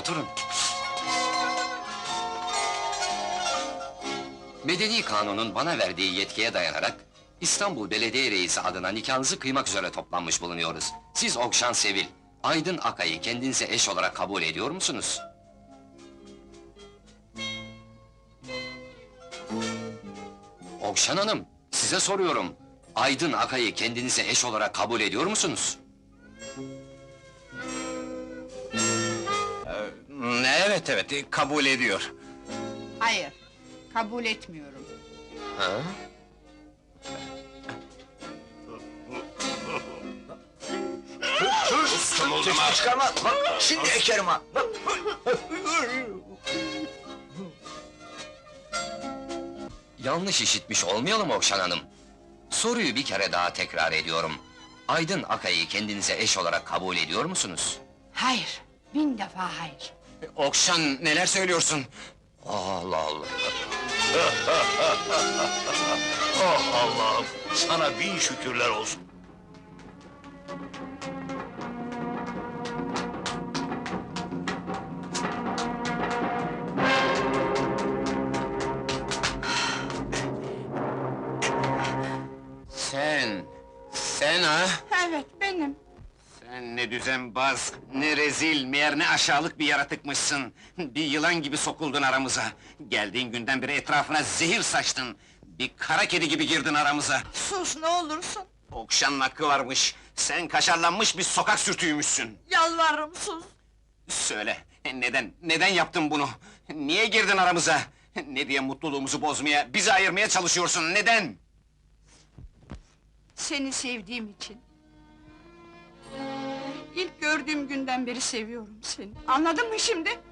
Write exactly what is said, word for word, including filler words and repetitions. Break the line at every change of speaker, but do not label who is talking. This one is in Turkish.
oturun. Medeni kanunun bana verdiği yetkiye dayanarak... ...İstanbul Belediye Reisi adına nikahınızı kıymak üzere toplanmış bulunuyoruz. Siz Okşan Sevil, Aydın Akay'ı kendinize eş olarak kabul ediyor musunuz? Okşan Hanım, size soruyorum. Aydın Akay'ı kendinize eş olarak kabul ediyor musunuz?
Evet evet, kabul ediyor.
Hayır, kabul etmiyorum.
Ha?
Sesini çıkarma, bak şimdi ekerim ha!
Yanlış işitmiş olmayalım Okşan Hanım. Soruyu bir kere daha tekrar ediyorum. Aydın Akay'ı kendinize eş olarak kabul ediyor musunuz?
Hayır, bin defa hayır.
Okşan, neler söylüyorsun?
Allah Allah!
Oh Allah'ım, sana bin şükürler olsun.
Sen, sen ha?
Evet, benim.
Sen ne düzenbaz, ne rezil, meğer ne aşağılık bir yaratıkmışsın! Bir yılan gibi sokuldun aramıza! Geldiğin günden beri etrafına zehir saçtın! Bir kara kedi gibi girdin aramıza!
Sus, ne olursun!
Okşan'ın hakkı varmış, sen kaşarlanmış bir sokak sürtüğümüşsün!
Yalvarırım, sus!
Söyle, neden, neden yaptın bunu? Niye girdin aramıza? Ne diye mutluluğumuzu bozmaya, bizi ayırmaya çalışıyorsun, neden?
Seni sevdiğim için. İlk gördüğüm günden beri seviyorum seni. Anladın mı şimdi?